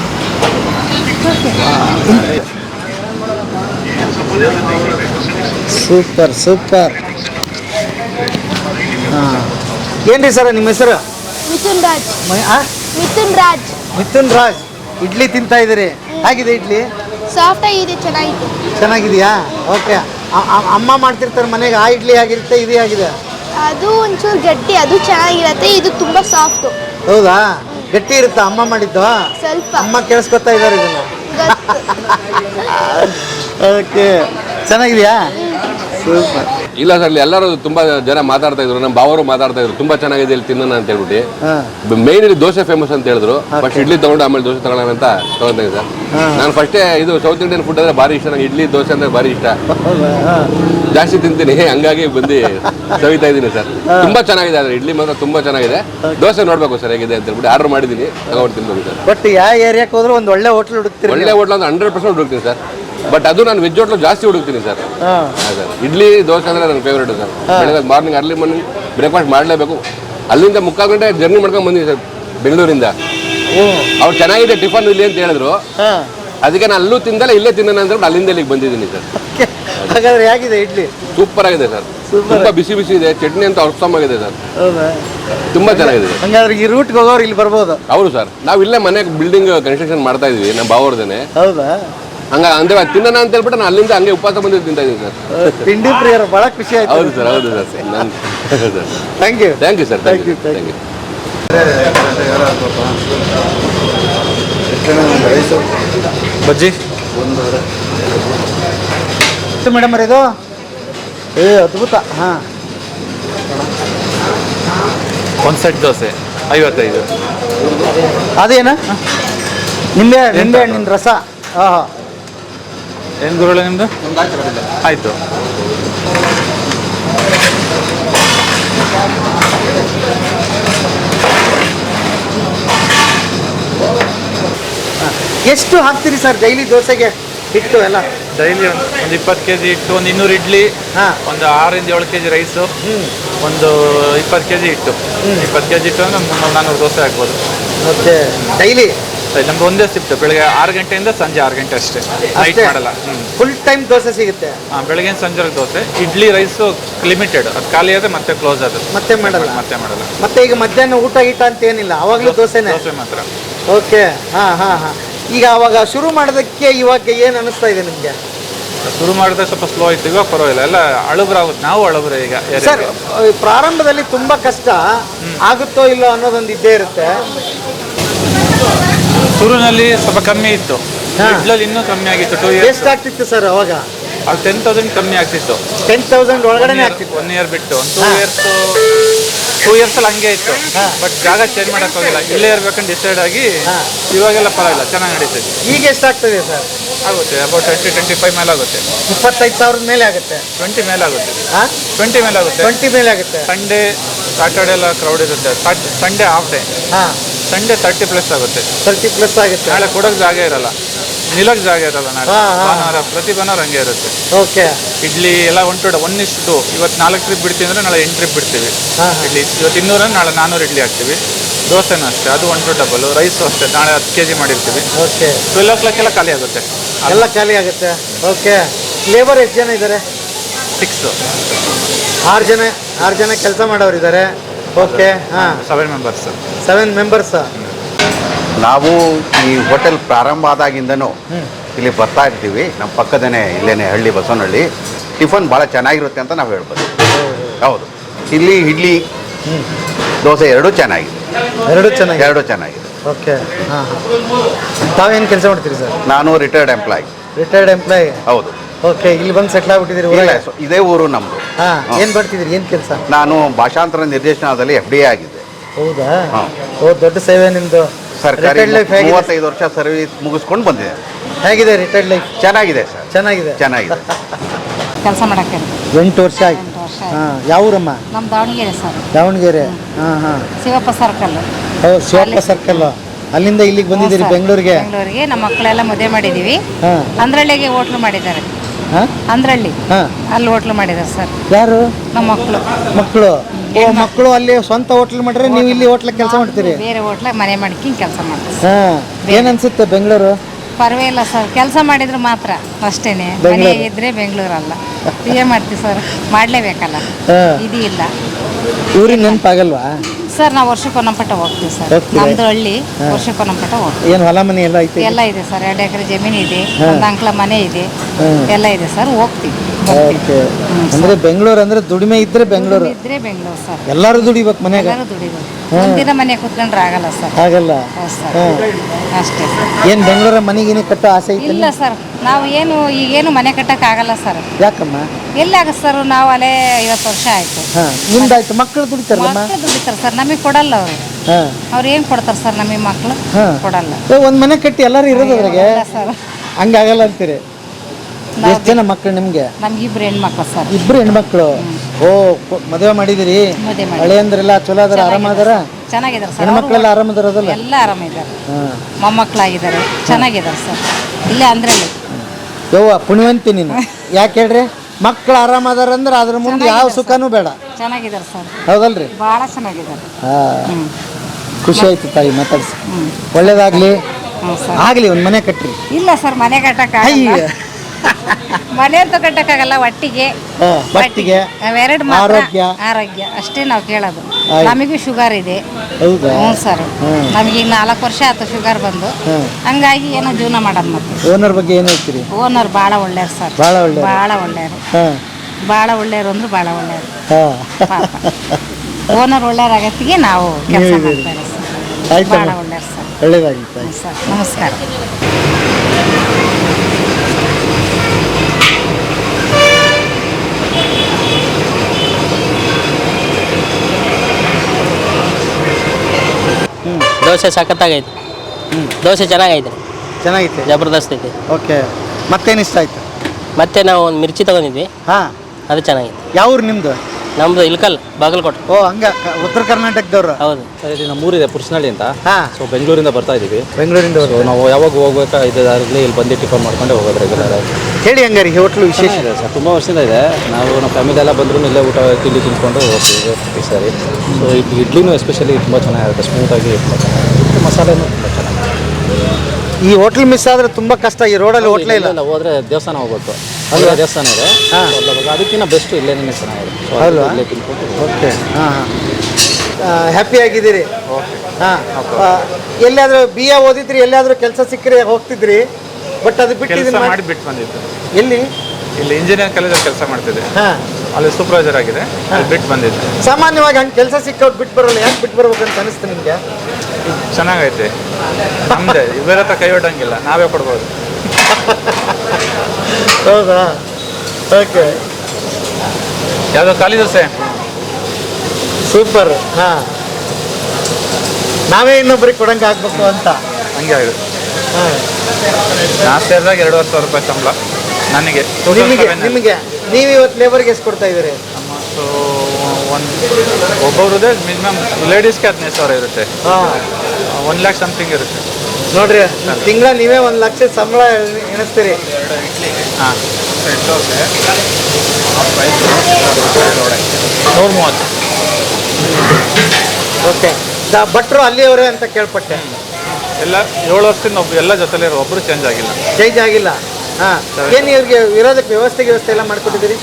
Speaker 2: Super super. ಹಾಂ, ಏನ್ರಿ ಸರ್ ನಿಮ್ಮ ಹೆಸರು?
Speaker 8: ಮಿಥುನ್ ರಾಜ್.
Speaker 2: ಮ- ಆ?
Speaker 8: ಮಿಥುನ್ ರಾಜ್.
Speaker 2: ಮಿಥುನ್ ರಾಜ್. ಇಡ್ಲಿ ತಿಂತಾ ಇದ್ದೀರಿ? ಹೇಗಿದೆ ಇಡ್ಲಿ?
Speaker 8: ಸಾಫ್ಟ್ ಆಗಿದೆ, ಚೆನ್ನಾಗಿದೆ.
Speaker 2: ಚೆನ್ನಾಗಿದೆಯಾ? ಓಕೆ. ಅಮ್ಮ ಮಾಡ್ತಿರ್ತಾರೆ ಮನೆಗೆ, ಆ ಇಡ್ಲಿ ಆಗಿರುತ್ತೆ, ಇದೇ ಆಗಿದೆ?
Speaker 8: ಅದು ಒಂಚೂರು ಗಟ್ಟಿ, ಅದು ಚೆನ್ನಾಗಿರತ್ತೆ. ಇದು ತುಂಬ ಸಾಫ್ಟು.
Speaker 2: ಹೌದಾ? ಗಟ್ಟಿ ಇರುತ್ತಾ ಅಮ್ಮ ಮಾಡಿದ್ದು?
Speaker 8: ಸ್ವಲ್ಪ
Speaker 2: ಅಮ್ಮ ಕೇಳಿಸ್ಕೊತಾ ಇದ್ದಾರೆ ಇದನ್ನ.
Speaker 8: ಗೊತ್ತು.
Speaker 2: ಓಕೆ, ಚೆನ್ನಾಗಿದೆಯಾ? ಸೂಪರ್.
Speaker 1: ಇಲ್ಲ ಸರ್, ಇಲ್ಲಿ ಎಲ್ಲರೂ ತುಂಬಾ ಜನ ಮಾತಾಡ್ತಾ ಇದ್ರು, ನಮ್ಮ ಬಾವರು ಮಾತಾಡ್ತಾ ಇದ್ರು ತುಂಬಾ ಚೆನ್ನಾಗಿದೆ ಇಲ್ಲಿ ತಿನ್ನೋಣ ಅಂತ ಹೇಳ್ಬಿಟ್ಟು. ಮೇನ್ ಇಲ್ಲಿ ದೋಸೆ ಫೇಮಸ್ ಅಂತ ಹೇಳಿದ್ರು. ಫಸ್ಟ್ ಇಡ್ಲಿ ತಗೊಂಡು ಆಮೇಲೆ ದೋಸೆ ತಗೊಳ್ಳೋಣ ಅಂತ ತಗೊಂಡೆ ಸರ್. ನಾನು ಫಸ್ಟೇ ಇದು ಸೌತ್ ಇಂಡಿಯನ್ ಫುಡ್ ಅಂದ್ರೆ ಭಾರಿ ಇಷ್ಟ ನಂಗೆ. ಇಡ್ಲಿ ದೋಸೆ ಅಂದ್ರೆ ಭಾರಿ ಇಷ್ಟ, ಜಾಸ್ತಿ ತಿಂತೀನಿ. ಹಂಗಾಗಿ ಬಂದು ಸವಿತಾ ಇದ್ದೀನಿ ಸರ್. ತುಂಬಾ ಚೆನ್ನಾಗಿದೆ. ಆದ್ರೆ ಇಡ್ಲಿ ಮಾತ್ರ ತುಂಬಾ ಚೆನ್ನಾಗಿದೆ. ದೋಸೆ ನೋಡ್ಬೇಕು ಸರ್ ಹೇಗಿದೆ ಅಂತ ಹೇಳ್ಬಿಟ್ಟು ಆರ್ಡರ್ ಮಾಡಿದ್ದೀನಿ, ತಗೊಂಡು ತಿನ್ಬೇಕು ಸರ್.
Speaker 2: ಬಟ್ ಯಾವ ಏರಿಯಾಕ್ಕೆ ಹೋದ್ರು ಒಂದು ಒಳ್ಳೆ ಹೋಟ್ಲ್ ಹುಡುಕ್ತೀರಿ?
Speaker 1: ಒಳ್ಳೆ ಹೋಟ್ಲ್ ಅಂದ್ರೆ ಹಂಡ್ರೆಡ್ ಪರ್ಸೆಂಟ್ ಹುಡುಕ್ತೀನಿ ಸರ್. ಬಟ್ ಅದು ನಾನು ವೆಜ್ ಹೋಟ್ಲು ಜಾಸ್ತಿ ಹುಡುಕ್ತೀನಿ ಸರ್.
Speaker 2: ಹಾಂ
Speaker 1: ಸರ್, ಇಡ್ಲಿ ದೋಸೆ ಅಂದರೆ ನನ್ನ ಫೇವ್ರೇಟ್ ಸರ್. ಬೆಳಗ್ಗೆ ಮಾರ್ನಿಂಗ್ ಅರ್ಲಿ ಮಾರ್ನಿಂಗ್ ಬ್ರೇಕ್ಫಾಸ್ಟ್ ಮಾಡಲೇಬೇಕು. ಅಲ್ಲಿಂದ ಮುಕ್ಕಾಲು ಗಂಟೆ ಜರ್ನಿ ಮಾಡ್ಕೊಂಡು ಬಂದಿದ್ದೀನಿ ಸರ್ ಬೆಂಗಳೂರಿಂದ. ಅವ್ರು ಚೆನ್ನಾಗಿದೆ ಟಿಫನ್ ಇಲ್ಲಿ ಅಂತ ಹೇಳಿದ್ರು.
Speaker 2: ಹಾಂ,
Speaker 1: ಅದಕ್ಕೆ ನಾನು ಅಲ್ಲೂ ತಿಂದಲ್ಲ ಇಲ್ಲೇ ತಿನ್ನೋಣ ಅಂತ ಅಲ್ಲಿಂದ ಇಲ್ಲಿಗೆ ಬಂದಿದ್ದೀನಿ ಸರ್.
Speaker 2: ಹಾಗಾದ್ರೆ ಹೇಗಿದೆ ಇಡ್ಲಿ?
Speaker 1: ಸೂಪರ್ ಆಗಿದೆ ಸರ್. ತುಂಬ ಬಿಸಿ ಬಿಸಿ ಇದೆ. ಚಟ್ನಿ ಅಂತ ಆಗಿದೆ ಸರ್.
Speaker 2: ಹೌದಾ?
Speaker 1: ತುಂಬ ಚೆನ್ನಾಗಿದೆ ಸರ್.
Speaker 2: ಹಂಗಾದ್ರೆ ಈ ರೂಟ್ಗೆ ಹೋಗೋರು ಇಲ್ಲಿ ಬರ್ಬೋದು?
Speaker 1: ಹೌದು ಸರ್, ನಾವು ಇಲ್ಲೇ ಮನೆ ಬಿಲ್ಡಿಂಗ್ ಕನ್ಸ್ಟ್ರಕ್ಷನ್ ಮಾಡ್ತಾ ಇದೀವಿ ನಮ್ಮ ಬಾವರ್ದೇನೆ.
Speaker 2: ಹೌದಾ?
Speaker 1: ಹಂಗ ಅಂದ್ರೆ ತಿನ್ನೋಣ ಅಂತ ಹೇಳ್ಬಿಟ್ಟು ನಾನು ಅಲ್ಲಿಂದ ಹಂಗೆ ಉಪವಾಸ ಬಂದು ತಿಂತಾ ಇದ್ದೀನಿ ಸರ್.
Speaker 2: ತಿಂಡಿ ಪ್ರಿಯರು ಬಹಳ ಖುಷಿ ಆಯ್ತು.
Speaker 1: ಹೌದು ಸರ್, ಹೌದು ಸರ್. ನಾನು
Speaker 2: thank you.
Speaker 1: Thank you sir. Thank you
Speaker 2: Thank
Speaker 1: thank you.
Speaker 4: Bajji
Speaker 2: madam ಇದು ಏ ಅದ್ಭುತ. ಹಾಂ,
Speaker 4: ಒಂದು ಸೆಟ್ ದೋಸೆ ಐವತ್ತೈದು.
Speaker 2: ಅದೇನ? ನಿಂಬೆ ನಿಂಬೆ ಹಣ್ಣಿನ ರಸ. ಹಾಂ ಹಾಂ.
Speaker 4: ಏನು ಗುರುಳೆ ನಿಮ್ಮದು? ಆಯಿತು.
Speaker 2: ಎಷ್ಟು ಹಾಕ್ತೀರಿ ಸರ್ ಡೈಲಿ ದೋಸೆಗೆ ಹಿಟ್ಟು ಎಲ್ಲ?
Speaker 4: ಡೈಲಿ ಒಂದು ಒಂದು ಇಪ್ಪತ್ತು ಕೆ ಜಿ ಹಿಟ್ಟು, ಒಂದು ಇನ್ನೂರು ಇಡ್ಲಿ,
Speaker 2: ಹಾಂ,
Speaker 4: ಒಂದು ಆರಿಂದ ಏಳು ಕೆ ಜಿ ರೈಸು,
Speaker 2: ಹ್ಞೂ,
Speaker 4: ಒಂದು ಇಪ್ಪತ್ತು ಕೆ ಜಿ ಹಿಟ್ಟು. ಇಪ್ಪತ್ತು ಕೆ ಜಿ ಹಿಟ್ಟು ಅಂದರೆ ಮುನ್ನೂರು ನಾನ್ನೂರು ದೋಸೆ ಆಗ್ಬೋದು.
Speaker 2: ಮತ್ತೆ ಡೈಲಿ
Speaker 4: ನಮ್ದು ಒಂದೇ ಶಿಫ್ಟ್, ಬೆಳಗ್ಗೆ ಆರು ಗಂಟೆಯಿಂದ ಸಂಜೆ ಆರು ಗಂಟೆ ಅಷ್ಟೇ. ನೈಟ್ ಮಾಡಲ್ಲ.
Speaker 2: ಫುಲ್ ಟೈಮ್ ದೋಸೆ ಸಿಗುತ್ತೆ?
Speaker 4: ಹಾಂ, ಬೆಳಗ್ಗೆ ಸಂಜೆವರೆಗೆ ದೋಸೆ. ಇಡ್ಲಿ ರೈಸು ಲಿಮಿಟೆಡ್, ಅದು ಖಾಲಿ ಆದರೆ ಮತ್ತೆ ಕ್ಲೋಸ್ ಅದು,
Speaker 2: ಮತ್ತೆ ಮಾಡಲ್ಲ?
Speaker 4: ಮತ್ತೆ ಮಾಡಲ್ಲ.
Speaker 2: ಮತ್ತೆ ಈಗ ಮಧ್ಯಾಹ್ನ ಊಟ ಗೀಟ ಅಂತ ಏನಿಲ್ಲ, ಅವಾಗಲೂ ದೋಸೆನೇ?
Speaker 4: ದೋಸೆ ಮಾತ್ರ.
Speaker 2: ಓಕೆ. ಹಾಂ ಹಾಂ ಹಾಂ. ಈಗ ಅವಾಗ ಶುರು ಮಾಡೋದಕ್ಕೆ ಇವಾಗ ಏನು ಅನ್ನಿಸ್ತಾ ಇದೆ ನಿಮಗೆ?
Speaker 4: ಶುರು ಮಾಡಿದ್ರೆ ಸ್ವಲ್ಪ ಸ್ಲೋ ಇತ್ತು, ಇವಾಗ ಪರವಾಗಿಲ್ಲ. ಎಲ್ಲ ಅಳುಬ್ರಾಗುತ್ತೆ, ನಾವು ಅಳುಬ್ರೆ ಈಗ.
Speaker 2: ಸರ್, ಪ್ರಾರಂಭದಲ್ಲಿ ತುಂಬ ಕಷ್ಟ ಆಗುತ್ತೋ ಇಲ್ಲೋ ಅನ್ನೋದೊಂದು ಇದ್ದೇ ಇರುತ್ತೆ.
Speaker 4: ಶುರುವಿನಲ್ಲಿ ಸ್ವಲ್ಪ ಕಮ್ಮಿ ಇತ್ತು, ಮಿಡ್ಲಲ್ಲಿ ಇನ್ನೂ ಕಮ್ಮಿ ಆಗಿತ್ತು. ಟೂ ಇಯರ್ಸ್
Speaker 2: ಎಷ್ಟಾಗ್ತಿತ್ತು ಸರ್ ಅವಾಗ?
Speaker 4: ಅದು ಟೆನ್ ತೌಸಂಡ್ ಕಮ್ಮಿ ಆಗ್ತಿತ್ತು.
Speaker 2: ಟೆನ್ ತೌಸಂಡ್ ಒಳಗಡೆ ಆಗ್ತಿತ್ತು?
Speaker 4: ಒನ್ ಇಯರ್ ಬಿಟ್ಟು. ಒಂದು ಟೂ ಇಯರ್ಸ್ ಟೂ ಇಯರ್ಸ್ ಅಲ್ಲಿ ಹಂಗೆ ಇತ್ತು, ಬಟ್ ಜಾಗ ಚೇಂಜ್ ಮಾಡಕ್ ಹೋಗಿಲ್ಲ, ಇಲ್ಲೇ ಇರ್ಬೇಕಂತ ಡಿಸೈಡ್ ಆಗಿ ಇವಾಗೆಲ್ಲ ಪರವಾಗಿಲ್ಲ, ಚೆನ್ನಾಗಿ ನಡೀತದೆ.
Speaker 2: ಈಗ ಎಷ್ಟಾಗ್ತದೆ ಸರ್?
Speaker 4: ಆಗುತ್ತೆ ಅಬೌಟ್ ಟ್ವೆಂಟಿ ಟ್ವೆಂಟಿ ಫೈವ್ ಮೇಲೆ ಆಗುತ್ತೆ.
Speaker 2: ಇಪ್ಪತ್ತೈದು ಸಾವಿರದ ಮೇಲೆ ಆಗುತ್ತೆ.
Speaker 4: ಟ್ವೆಂಟಿ ಮೇಲೆ ಆಗುತ್ತೆ.
Speaker 2: ಹಾಂ,
Speaker 4: ಟ್ವೆಂಟಿ ಮೇಲೆ ಆಗುತ್ತೆ.
Speaker 2: ಟ್ವೆಂಟಿ ಮೇಲೆ ಆಗುತ್ತೆ.
Speaker 4: ಸಂಡೇ ಸ್ಯಾಟರ್ಡೆ ಎಲ್ಲ ಕ್ರೌಡ್ ಇರುತ್ತೆ. ಸಂಡೇ ಹಾಫ್ ಡೇ,
Speaker 2: ಹಾಂ,
Speaker 4: ಸಂಡೇ ತರ್ಟಿ ಪ್ಲಸ್ ಆಗುತ್ತೆ.
Speaker 2: ತರ್ಟಿ ಪ್ಲಸ್ ಆಗುತ್ತೆ.
Speaker 4: ನಾಳೆ ಕೊಡೋಕೆ ಜಾಗ ಇರಲ್ಲ, ನಿಲ್ಲಕ್ಕೆ ಜಾಗ ಇರಲ್ಲ. ನಾಳೆ
Speaker 2: ಹಾ, ಹಾ.
Speaker 4: ಭಾನುವಾರ ಪ್ರತಿ ಭಾನುವಾರ ಹಂಗೆ ಇರುತ್ತೆ.
Speaker 2: ಓಕೆ.
Speaker 4: ಇಡ್ಲಿ ಎಲ್ಲ ಒನ್ ಟು ಒನ್ ಇಷ್ಟು ಟು. ಇವತ್ತು ನಾಲ್ಕು ಟ್ರಿಪ್ ಬಿಡ್ತೀವಿ ಅಂದರೆ ನಾಳೆ ಎಂಟು ಟ್ರಿಪ್ ಬಿಡ್ತೀವಿ.
Speaker 2: ಹಾ, ಹಾ.
Speaker 4: ಇಡ್ಲಿ ಇವತ್ತು ಇನ್ನೂರ ನಾಳೆ ನಾನ್ನೂರು ಇಡ್ಲಿ ಹಾಕ್ತೀವಿ. ದೋಸೆನೂ ಅಷ್ಟೇ, ಅದು ಒನ್ ಟು ಡಬಲ್. ರೈಸು ಅಷ್ಟೇ, ನಾಳೆ ಹತ್ತು ಕೆ ಜಿ ಮಾಡಿರ್ತೀವಿ.
Speaker 2: ಓಕೆ.
Speaker 4: ಟ್ವೆಲ್ ಓ ಕ್ಲಾಕ್ ಎಲ್ಲ ಖಾಲಿ ಆಗುತ್ತೆ.
Speaker 2: ಎಲ್ಲ ಖಾಲಿ ಆಗುತ್ತೆ. ಓಕೆ. ಲೇಬರ್ ಎಷ್ಟು ಜನ ಇದ್ದಾರೆ?
Speaker 4: ಸಿಕ್ಸು
Speaker 2: ಆರು ಜನ ಆರು ಜನ ಕೆಲಸ ಮಾಡೋರು ಇದ್ದಾರೆ. ಓಕೆ. ಹಾಂ,
Speaker 4: ಸೆವೆನ್ ಮೆಂಬರ್ಸ್.
Speaker 2: Seven members.
Speaker 7: ನಾವು ಈ ಹೋಟೆಲ್ ಪ್ರಾರಂಭ ಆದಾಗಿಂದನೂ ಇಲ್ಲಿ ಬರ್ತಾ ಇರ್ತೀವಿ. ನಮ್ಮ ಪಕ್ಕದೇನೆ ಇಲ್ಲೇನೆ ಹಳ್ಳಿ ಬಸವನಹಳ್ಳಿ. ಟಿಫನ್ ಭಾಳ ಚೆನ್ನಾಗಿರುತ್ತೆ ಅಂತ ನಾವು ಹೇಳ್ಬೋದು. ಹೌದು, ಇಲ್ಲಿ ಇಡ್ಲಿ ದೋಸೆ ಎರಡೂ ಚೆನ್ನಾಗಿದೆ.
Speaker 2: ಎರಡು ಚೆನ್ನಾಗಿ
Speaker 7: ಎರಡೂ ಚೆನ್ನಾಗಿದೆ.
Speaker 2: ಓಕೆ. ಹಾಂ, ತಾವೇನು ಕೆಲಸ ಮಾಡ್ತೀರಿ ಸರ್?
Speaker 7: ನಾನು ರಿಟೈರ್ಡ್ ಎಂಪ್ಲಾಯ್.
Speaker 2: Retired employee.
Speaker 7: ಹೌದು.
Speaker 2: ಓಕೆ. ಇಲ್ಲಿ ಬಂದು ಸೆಟ್ಲ್ ಆಗ್ಬಿಟ್ಟಿದ್ದೀರಿ?
Speaker 7: ಇಲ್ಲ, ಸೊ ಇದೇ ಊರು ನಮ್ಮದು.
Speaker 2: ಹಾಂ. ಏನು ಮಾಡ್ತಿದ್ದೀರಿ? ಏನು ಕೆಲಸ?
Speaker 7: ನಾನು ಭಾಷಾಂತರ ನಿರ್ದೇಶನದಲ್ಲಿ ಎಫ್ ಡಿ ಎ ಆಗಿದ್ದೆ.
Speaker 2: ಹೌದಾ?
Speaker 7: ಹಾಂ.
Speaker 2: ಓ, ದೊಡ್ಡ ಸೇವೆ ನಿಮ್ಮದು.
Speaker 7: ಸರ್ಕಾರಿ
Speaker 2: ರಿಟೈರ್ಡ್ ಲೈಫ್ ಹೇಗಿದೆ?
Speaker 7: ಮೂವತ್ತೈದು ವರ್ಷ ಸರ್ವಿಸ್ ಮುಗಿಸ್ಕೊಂಡು ಬಂದಿದೆ.
Speaker 2: ಹೇಗಿದೆ ರಿಟೈರ್ಡ್ ಲೈಫ್?
Speaker 7: ಚೆನ್ನಾಗಿದೆ ಸರ್,
Speaker 2: ಚೆನ್ನಾಗಿದೆ.
Speaker 7: ಚೆನ್ನಾಗಿದೆ.
Speaker 3: ಕೆಲಸ ಮಾಡಕ್ಕೆ
Speaker 2: ಎಂಟು ವರ್ಷ ಆಯ್ತು.
Speaker 3: ಎಂಟು ವರ್ಷ
Speaker 2: ಹಾಂ. ಯಾವ ಊರಮ್ಮ?
Speaker 3: ನಮ್ಮ ದಾವಣಗೆರೆ ಸರ್,
Speaker 2: ದಾವಣಗೆರೆ. ಹಾಂ, ಹಾಂ.
Speaker 3: ಶಿವಪ್ಪ ಸರ್ಕಲ್.
Speaker 2: ಓ, ಶಿವಪ್ಪ ಸರ್ಕಲ್. ಅಲ್ಲಿಂದ ಇಲ್ಲಿಗೆ ಬಂದಿದ್ದೀರಿ ಬೆಂಗಳೂರಿಗೆ?
Speaker 3: ಬೆಂಗಳೂರಿಗೆ ನಮ್ಮ ಮಕ್ಕಳೆಲ್ಲ ಮದುವೆ ಮಾಡಿದ್ದೀವಿ.
Speaker 2: ಹಾಂ.
Speaker 3: ಅಂದ್ರಳ್ಳಿಗೆ ಹೋಟ್ಲು ಮಾಡಿದ್ದಾರೆ.
Speaker 2: ಹಾಂ,
Speaker 3: ಅಂದ್ರಳ್ಳಿ,
Speaker 2: ಹಾಂ.
Speaker 3: ಅಲ್ಲಿ ಹೋಟ್ಲು ಮಾಡಿದ್ದಾರೆ ಸರ್
Speaker 2: ಯಾರು?
Speaker 3: ನಮ್ಮ ಮಕ್ಕಳು.
Speaker 2: ಮಕ್ಕಳು? ಓ, ಮಕ್ಕಳು ಅಲ್ಲಿ ಸ್ವಂತ ಹೋಟ್ಲ್ ಮಾಡ್ರೆ ನೀವು ಇಲ್ಲಿ ಹೋಟ್ಲಾಗ ಕೆಲಸ ಮಾಡ್ತೀರಿ?
Speaker 3: ಬೇರೆ ಹೋಟ್ಲಾಗ ಮನೆ ಮಾಡ್ಕೊಂಡು ಕೆಲಸ ಮಾಡ್ತೀವಿ.
Speaker 2: ಹಾಂ. ಏನು ಅನ್ಸುತ್ತೆ ಬೆಂಗಳೂರು?
Speaker 3: ಪರವಾಗಿಲ್ಲ ಸರ್, ಕೆಲಸ ಮಾಡಿದ್ರೆ ಮಾತ್ರ ಅಷ್ಟೇನೆ.
Speaker 2: ಬೆಂಗಳೂರು.
Speaker 3: ಮನೆ ಇದ್ರೆ ಬೆಂಗಳೂರಲ್ಲ. ಏನು ಮಾಡ್ತೀವಿ ಸರ್, ಮಾಡಲೇಬೇಕಲ್ಲ,
Speaker 2: ಹಾಂ.
Speaker 3: ಇದು ಇಲ್ಲ
Speaker 2: ಊರಿಗೆ ನೆನಪಾಗಲ್ವಾ?
Speaker 3: ಸರ್. ನಾವು ವರ್ಷಕ್ಕೊಂದೊಂಪಟ್ಟ ಹೋಗ್ತೀವಿ ಸರ್.
Speaker 2: ಹೋಗ್ತೀರಾ?
Speaker 3: ನಮ್ದು ಹಳ್ಳಿ, ವರ್ಷಕ್ಕೊಂದೊಂಪಟ್ಟ ಹೋಗ್ತೀವಿ.
Speaker 2: ಏನು ಹೊಲ ಮನೆ ಎಲ್ಲ ಐತೆ?
Speaker 3: ಎಲ್ಲ ಇದೆ ಸರ್, ಎರಡು ಎಕರೆ ಜಮೀನು ಇದೆ,
Speaker 2: ಹಾಂ.
Speaker 3: ಒಂದು ಅಂಕ್ಲ ಮನೆ ಇದೆ,
Speaker 2: ಹಾಂ.
Speaker 3: ಎಲ್ಲ ಇದೆ ಸರ್. ಹೋಗ್ತೀವಿ.
Speaker 2: ಓಕೆ. ಅಂದ್ರೆ ಬೆಂಗಳೂರು ಅಂದ್ರೆ ದುಡಿಮೆ ಇದ್ರೆ ಬೆಂಗಳೂರು.
Speaker 3: ಇದ್ರೆ ಬೆಂಗಳೂರು ಸರ್.
Speaker 2: ಎಲ್ಲರೂ ದುಡಿಬೇಕು ಮನೆಗೆ.
Speaker 3: ಎಲ್ಲರೂ ದುಡಿಬೇಕು. ಒಂದಿನ ಮನೆ ಕುತ್ಕೊಂಡ್ರೆ ಆಗಲ್ಲ ಸರ್.
Speaker 2: ಆಗಲ್ಲ.
Speaker 3: ಹೌದು ಸರ್.
Speaker 2: ಹಾಂ.
Speaker 3: ಅಷ್ಟೇ ಸರ್.
Speaker 2: ಏನು ಬೆಂಗಳೂರ ಮನೆಗಿನೇ ಕಟ್ಟೋ ಆಸೆ ಐತೆ?
Speaker 3: ಇಲ್ಲ ಸರ್, ನಾವು ಏನು ಈಗೇನು ಮನೆ ಕಟ್ಟಕ್ಕೆ ಆಗಲ್ಲ ಸರ್.
Speaker 2: ಯಾಕಮ್ಮ?
Speaker 3: ಎಲ್ಲಾಗ ಸರ್, ನಾವು ಅಲ್ಲೇ ಐವತ್ತು ವರ್ಷ ಆಯ್ತು.
Speaker 2: ಹಾಂ. ನಿಮ್ದಾಯ್ತು, ಮಕ್ಕಳು ದುಡಿತಾರಲ್ಲಮ್ಮ?
Speaker 3: ಮಕ್ಕಳು ದುಡಿತಾರೆ ಸರ್, ನಮಗೆ ಕೊಡಲ್ಲ ಅವರು.
Speaker 2: ಹಾಂ.
Speaker 3: ಅವ್ರು ಏನು ಕೊಡ್ತಾರೆ ಸರ್ ನಮಗೆ? ಮಕ್ಕಳು
Speaker 2: ಹಾಂ.
Speaker 3: ಕೊಡಲ್ಲ.
Speaker 2: ಏ, ಒಂದ್ ಮನೆ ಕಟ್ಟಿ ಎಲ್ಲರೂ ಇರೋದು ಅದ್ರಾಗೆ?
Speaker 3: ಇಲ್ಲ ಸರ್,
Speaker 2: ಹಂಗಾಗಲ್ಲ ಅಂತೀರಿ?
Speaker 3: ನಾವು
Speaker 2: ಎಷ್ಟು ಜನ ಮಕ್ಕಳು ನಿಮ್ಗೆ?
Speaker 3: ನಮ್ಗೆ ಇಬ್ರು ಹೆಣ್ಮಕ್ಳು ಸರ್.
Speaker 2: ಇಬ್ರು ಹೆಣ್ಮಕ್ಳು. ಓ, ಕು- ಮದುವೆ ಮಾಡಿದಿರಿ?
Speaker 3: ಮದುವೆ ಮಾಡಿ
Speaker 2: ಹಳೆಯಂದ್ರೆಲ್ಲ ಚಲೋ ಅದಾರ? ಆರಾಮದಾರ?
Speaker 3: ಚೆನ್ನಾಗಿದ್ದಾರೆ ಸರ್.
Speaker 2: ಹೆಣ್ಮಕ್ಳೆಲ್ಲ ಆರಾಮದಾರದಲ್ಲ?
Speaker 3: ಎಲ್ಲ ಆರಾಮಿದ್ದಾರೆ.
Speaker 2: ಹಾಂ.
Speaker 3: ಮೊಮ್ಮಕ್ಕಳಾಗಿದ್ದಾರೆ, ಚೆನ್ನಾಗಿದ್ದಾರೆ ಸರ್. ಇಲ್ಲೇ ಅಂದ್ರಲ್ಲಿ
Speaker 2: ಯವ್ವ ಪುಣ್ಯವಂತಿ ನೀನು. ಯಾಕೆ ಹೇಳ್ರಿ? ಮಕ್ಕಳು ಆರಾಮದಾರ ಅಂದ್ರೆ ಅದ್ರ ಮುಂದೆ ಯಾವ ಸುಖನೂ ಬೇಡ.
Speaker 3: ಚೆನ್ನಾಗಿದ್ದಾರೆ ಸರ್,
Speaker 2: ಹೌದಲ್ರಿ?
Speaker 3: ಭಾಳ ಚೆನ್ನಾಗಿದ್ದಾರೆ.
Speaker 2: ಹಾಂ. ಖುಷಿ ಆಯ್ತು ತಾಯಿ ಮಾತಾಡ್ಸಿ.
Speaker 3: ಹ್ಞೂ
Speaker 2: ಒಳ್ಳೇದಾಗ್ಲಿ.
Speaker 3: ಹ್ಞೂ ಸರ್.
Speaker 2: ಆಗ್ಲಿ, ಒಂದು ಮನೆ ಕಟ್ರಿ.
Speaker 3: ಇಲ್ಲ ಸರ್, ಮನೆ ಕಟ್ಟಕ್ಕಾಗಲ್ಲ.
Speaker 2: ಅಯ್ಯ.
Speaker 3: ಮನೆ ಅಂತ ಕಟ್ಟಕ್ಕಾಗಲ್ಲ, ಒಟ್ಟಿಗೆ
Speaker 2: ಹಾ, ಒಟ್ಟಿಗೆ.
Speaker 3: ಅವೆರಡು ಮಾತ್ರ.
Speaker 2: ಆರೋಗ್ಯ.
Speaker 3: ಆರೋಗ್ಯ ಅಷ್ಟೇ ನಾವು ಕೇಳೋದು.
Speaker 2: ಆಯ್ತು.
Speaker 3: ನಮಗೂ ಶುಗರ್ ಇದೆ.
Speaker 2: ಹೌದಾ?
Speaker 3: ಹ್ಞೂ ಸರ್.
Speaker 2: ಹ್ಮ್.
Speaker 3: ನಮಗೀಗ ನಾಲ್ಕು ವರ್ಷ ಆಯ್ತು ಶುಗರ್ ಬಂದು.
Speaker 2: ಹ್ಮ್.
Speaker 3: ಹಂಗಾಗಿ ಏನೋ ಜೀವನ ಮಾಡೋದು. ಮತ್ತೆ
Speaker 2: ಓನರ್ ಬಗ್ಗೆ ಏನು ಹೇಳ್ತೀರಿ?
Speaker 3: ಓನರ್ ಭಾಳ ಒಳ್ಳೆಯರು ಸರ್.
Speaker 2: ಭಾಳ ಒಳ್ಳೆಯರು.
Speaker 3: ಭಾಳ ಒಳ್ಳೆಯರು.
Speaker 2: ಹಾಂ.
Speaker 3: ಭಾಳ ಒಳ್ಳೆಯರು ಅಂದ್ರೆ ಭಾಳ ಒಳ್ಳೆಯರು.
Speaker 2: ಹಾಂ.
Speaker 3: ಪಾಪ ಓನರ್ ಒಳ್ಳೆಯರ ಅಗತ್ತಿಗೆ ನಾವು ಕೆಲಸ
Speaker 2: ನೀವು ಇದ್ದೀರಿ.
Speaker 3: ಮಾಡ್ತಾರೆ ಸರ್.
Speaker 2: ಆಯ್ತಮ್ಮ.
Speaker 3: ಭಾಳ ಒಳ್ಳೆಯರು ಸರ್.
Speaker 2: ಒಳ್ಳೇದಾಗಿ ತಾಯಿ.
Speaker 3: ಹ್ಞೂ ಸರ್, ನಮಸ್ಕಾರ.
Speaker 9: ದೋಸೆ ಸಖತ್ತಾಗೈತೆ. ದೋಸೆ ಚೆನ್ನಾಗೈತೆ,
Speaker 2: ಚೆನ್ನಾಗಿತ್ತು.
Speaker 9: ಜಬರ್ದಸ್ತ್ ಐತೆ.
Speaker 2: ಓಕೆ. ಮತ್ತೇನು ಇಷ್ಟ ಆಯ್ತು?
Speaker 9: ಮತ್ತೆ ನಾವು ಒಂದು ಮಿರ್ಚಿ ತೊಗೊಂಡಿದ್ವಿ,
Speaker 2: ಹಾಂ.
Speaker 9: ಅದು ಚೆನ್ನಾಗಿತ್ತು.
Speaker 2: ಯಾವ ಊರು ನಿಮ್ಮದು?
Speaker 9: ನಮ್ಮದು ಇಲ್ಕಲ್, ಬಾಗಲಕೋಟೆ.
Speaker 2: ಓ, ಹಂಗ ಕ- ಉತ್ತರ ಕರ್ನಾಟಕದವ್ರು?
Speaker 9: ಹೌದು.
Speaker 10: ಇಲ್ಲಿ ನಮ್ಮೂರಿದೆ ಪುರ್ಸನಹಳ್ಳಿ ಅಂತ.
Speaker 2: ಹಾಂ.
Speaker 10: ಸೊ ಬೆಂಗಳೂರಿಂದ ಬರ್ತಾ ಇದ್ದೀವಿ.
Speaker 2: ಬೆಂಗಳೂರಿಂದ
Speaker 10: ಸೊ ನಾವು ಯಾವಾಗ ಹೋಗ್ಬೇಕಾ ಇದಾಗಲಿ ಇಲ್ಲಿ ಬಂದು ಟಿಫನ್ ಮಾಡ್ಕೊಂಡೆ ಹೋಗೋದು ರೆಗ್ಯುಲರ್ ಆಗಿ.
Speaker 2: ಹೇಳಿ ಹಂಗಾರಿ ಹೋಟ್ಲು ವಿಶೇಷ
Speaker 10: ಇದೆ ಸರ್, ತುಂಬ ವರ್ಷದಿಂದ ಇದೆ. ನಾವು ನಮ್ಮ ಫ್ಯಾಮಿಲಿ ಎಲ್ಲ ಬಂದರೂ ಇಲ್ಲೇ ಊಟ ತಿಂಡಿ ತಿನ್ಕೊಂಡು ಹೋಗ್ತೀವಿ ಈ ಸಾರಿ. ಸೊ ಇದು ಇಡ್ಲಿನೂ ಎಸ್ಪೆಷಲಿ ತುಂಬ ಚೆನ್ನಾಗಿರುತ್ತೆ, ಸ್ಮೂತಾಗಿ ತುಂಬ ಚೆನ್ನಾಗಿರುತ್ತೆ, ಮಸಾಲೆನೂ ತುಂಬ ಚೆನ್ನಾಗಿದೆ.
Speaker 2: ಈ ಹೋಟ್ಲ್ ಮಿಸ್ ಆದ್ರೆ ತುಂಬಾ ಕಷ್ಟ. ಈ ರೋಡಲ್ಲಿ ಹೋಟ್ಲೇ ಇಲ್ಲ.
Speaker 10: ಇಲ್ಲ ಹೋದ್ರೆ ದೇವಸ್ಥಾನ ಹೋಗ್ಬೇಕು, ಅಲ್ಲೇ ದೇವಸ್ಥಾನ ಇದೆ.
Speaker 2: ಹಾಂ.
Speaker 10: ಸೊ ಅಲ್ಲ ಅದಕ್ಕಿಂತ ಬೆಸ್ಟ್ ಇಲ್ಲೇನೇ ಚೆನ್ನಾಗಿದೆ. ಸೊ
Speaker 2: ಅಲ್ವಾ?
Speaker 10: ಇಲ್ಲೇ ತಿನ್ಕೊಂಡು
Speaker 2: ಓಕೆ. ಹಾಂ, ಹಾಂ. ಹ್ಯಾಪಿ ಆಗಿದ್ದೀರಿ? ಹಾಂ. ಎಲ್ಲಿಯಾದರೂ ಬಿ ಎ ಓದಿದ್ರಿ, ಎಲ್ಲಿಯಾದರೂ ಕೆಲಸ ಸಿಕ್ಕರೆ ಹೋಗ್ತಿದ್ರಿ, ಬಟ್ ಅದು ಬಿಟ್ಟು
Speaker 4: ಕೆಲಸ
Speaker 2: ಇದನ್ನ
Speaker 4: ಮಾಡಿ ಬಿಟ್ಟು ಬಂದಿದ್ದು.
Speaker 2: ಎಲ್ಲಿ?
Speaker 4: ಇಲ್ಲಿ ಇಂಜಿನಿಯರ್ ಕಾಲೇಜಲ್ಲಿ ಕೆಲಸ ಮಾಡ್ತಿದ್ದೆ,
Speaker 2: ಹಾಂ.
Speaker 4: ಅಲ್ಲಿ ಸೂಪರ್ವೈಸರ್ ಆಗಿದೆ, ಅಲ್ಲಿ ಬಿಟ್ಟು ಬಂದಿದ್ದೆ.
Speaker 2: ಸಾಮಾನ್ಯವಾಗಿ ಹಂಗೆ ಕೆಲಸ ಸಿಕ್ಕವ್ರು ಬಿಟ್ಟು ಬರೋಲ್ಲ. ಯಾಕೆ ಬಿಟ್ಟು ಬರ್ಬೇಕಂತ ಅನಿಸ್ತು ನಿಮಗೆ?
Speaker 4: ಚೆನ್ನಾಗೈತೆ, ನಮ್ಮದೇ, ಇವರ ಹತ್ರ ಕೈ ಒಡ್ಡಂಗಿಲ್ಲ, ನಾವೇ ಕೊಡ್ಬೋದು.
Speaker 2: ಹೌದಾ? ಓಕೆ.
Speaker 4: ಯಾವುದೋ ಖಾಲಿ ದೋಸೆ
Speaker 2: ಸೂಪರ್. ಹಾಂ, ನಾವೇ ಇನ್ನೊಬ್ರಿಗೆ ಕೊಡಂಗೆ ಆಗ್ಬೇಕು ಅಂತ.
Speaker 4: ಹಂಗೆ ಆಗುತ್ತೆ.
Speaker 2: ಹಾಂ,
Speaker 4: ನಾ ಸೇರಿದಾಗ ಎರಡೂವರೆ ಸಾವಿರ ರೂಪಾಯಿ ಸಂಬಳ ನನಗೆ.
Speaker 2: ನಿಮಗೆ ನಿಮಗೆ ನೀವು ಇವತ್ತು ಲೇಬರ್ಗೆ ಎಷ್ಟು ಕೊಡ್ತಾ ಇದ್ದೀರಿ?
Speaker 4: ಸೊ ಒಂದು ಒಬ್ಬೊಬ್ರದ್ದೇ ಮಿನಿಮಮ್ ಲೇಡೀಸ್ಗೆ ಹದಿನೈದು ಸಾವಿರ ಇರುತ್ತೆ.
Speaker 2: ಹಾಂ,
Speaker 4: ಒನ್ ಲ್ಯಾಕ್ ಸಮಥಿಂಗ್ ಇರುತ್ತೆ
Speaker 2: ನೋಡ್ರಿ, ತಿಂಗಳ ನೀವೇ ಒಂದು ಲಕ್ಷ ಸಂಬಳ ಎಣಿಸ್ತೀರಿ.
Speaker 4: ಹಾಂ, ನೂರ ಮೂವತ್ತು.
Speaker 2: ಓಕೆ, ದ ಭಟ್ರು ಅಲ್ಲಿಯವರೇ ಅಂತ ಕೇಳ್ಪಟ್ಟೆ.
Speaker 4: ಎಲ್ಲ ಏಳು ವರ್ಷದಿಂದ ಒಬ್ಬ ಎಲ್ಲ ಜೊತೆಲಿ ಒಬ್ಬರು ಚೇಂಜ್ ಆಗಿಲ್ಲ.
Speaker 2: ಚೇಂಜ್ ಆಗಿಲ್ಲ. ಹಾಂ, ಏನು ಇವ್ರಿಗೆ ಇರೋದಕ್ಕೆ ವ್ಯವಸ್ಥೆ ವ್ಯವಸ್ಥೆ ಎಲ್ಲ ಮಾಡ್ಕೊಟ್ಟಿದ್ದೀರಿ?